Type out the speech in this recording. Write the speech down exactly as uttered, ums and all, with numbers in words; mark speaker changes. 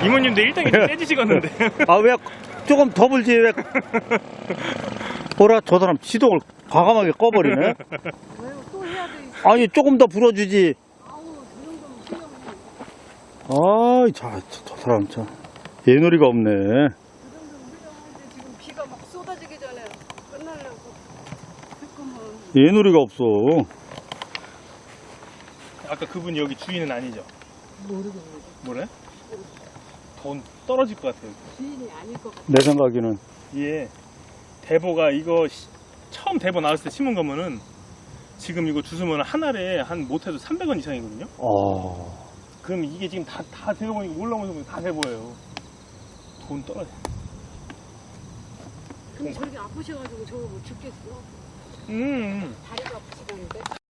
Speaker 1: 이모님도 일당이 좀 떼지시겠는데.
Speaker 2: 아, 왜 조금 더 불지, 왜. 보라, 저 사람 시동을 과감하게 꺼버리네.
Speaker 3: 왜요? 또 해야 돼.
Speaker 2: 아니, 조금 더 불어주지.
Speaker 3: 아우, 그 정도면 훌륭해.
Speaker 2: 아이, 자, 저, 저 사람 참. 예놀이가 없네.
Speaker 3: 그 정도면 훌륭한데 지금 비가 막 쏟아지기 전에 끝나려고. 잠깐만.
Speaker 2: 예놀이가 없어.
Speaker 1: 아까 그분 여기 주인은 아니죠?
Speaker 3: 모르겠네.
Speaker 1: 뭐래? 돈 떨어질 것 같아요.
Speaker 3: 주인이 아닐 것 같아.
Speaker 2: 내 생각에는.
Speaker 1: 예. 대보가 이거 시- 처음 대보 나왔을 때 심은 거면은 지금 이거 주스면 한 알에 한 못해도 삼백 원 이상이거든요?
Speaker 2: 어.
Speaker 1: 그럼 이게 지금 다, 다 대보니까 올라오면서 다 대보예요. 돈 떨어져.
Speaker 3: 근데 저렇게 아프셔가지고 저거 못 죽겠어.
Speaker 1: 음.
Speaker 3: 다리가 아프시다는데.